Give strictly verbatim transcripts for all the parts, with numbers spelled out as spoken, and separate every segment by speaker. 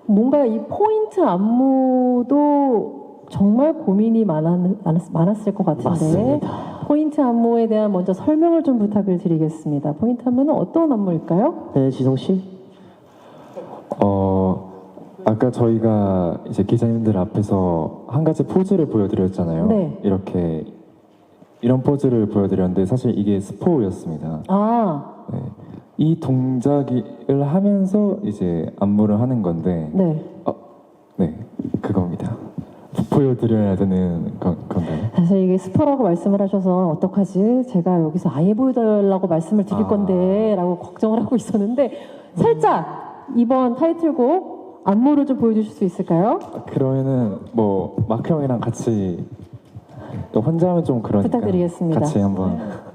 Speaker 1: 뭔가 이 포인트 안무도 정말 고민이 많았, 많았을 것 같은데
Speaker 2: 맞습니다.
Speaker 1: 포인트 안무에 대한 먼저 설명을 좀 부탁을 드리겠습니다. 포인트 안무는 어떤 안무일까요?
Speaker 2: 네, 지성 씨.
Speaker 3: 어 아까 저희가 이제 기자님들 앞에서 한 가지 포즈를 보여드렸잖아요.
Speaker 1: 네.
Speaker 3: 이렇게 이런 포즈를 보여드렸는데 사실 이게 스포였습니다.
Speaker 1: 아,
Speaker 3: 네. 이 동작을 하면서 이제 안무를 하는 건데,
Speaker 1: 네.
Speaker 3: 어, 네, 그겁니다. 보여드려야 되는 건, 건가요?
Speaker 1: 사실 이게 스포라고 말씀을 하셔서 어떡하지? 제가 여기서 아예 보여달라고 말씀을 드릴
Speaker 3: 아.
Speaker 1: 건데 라고 걱정을 하고 있었는데 살짝 이번 타이틀곡 안무를 좀 보여주실 수 있을까요?
Speaker 3: 그러면은 뭐 마크 형이랑 같이 또 혼자 하면 좀 그러니까
Speaker 1: 부탁드리겠습니다.
Speaker 3: 같이 한번.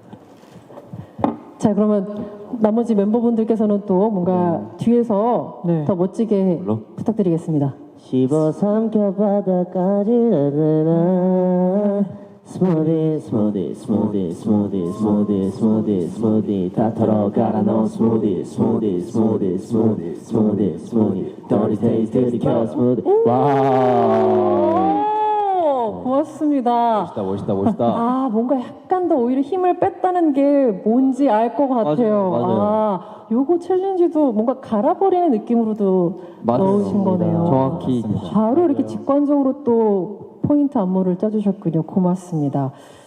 Speaker 1: 자, 그러면 나머지 멤버분들께서는 또 뭔가 뒤에서
Speaker 2: 네.
Speaker 1: 더 멋지게
Speaker 3: 물론.
Speaker 1: 부탁드리겠습니다.
Speaker 2: 씹어 삼켜 바닥까지 나나 스무디 스무디 스무디 스무디 스무디 스무디 스무디 다 털어 갈아 넣어 스무디 스무디 스무디 스무디 스무디 스무디 더리 테이스트 들이켜 스무디. 와
Speaker 1: 오, 고맙습니다.
Speaker 2: 멋있다 멋있다 멋있다.
Speaker 1: 아, 뭔가 약간 더 오히려 힘을 뺐다는 게 뭔지 알 것 같아요.
Speaker 2: 맞아요, 맞아요.
Speaker 1: 아, 요거 챌린지도 뭔가 갈아버리는 느낌으로도
Speaker 2: 맞아요.
Speaker 1: 넣으신 거네요.
Speaker 2: 정확히
Speaker 1: 바로 이렇게 직관적으로 또 포인트 안무를 짜주셨군요. 고맙습니다.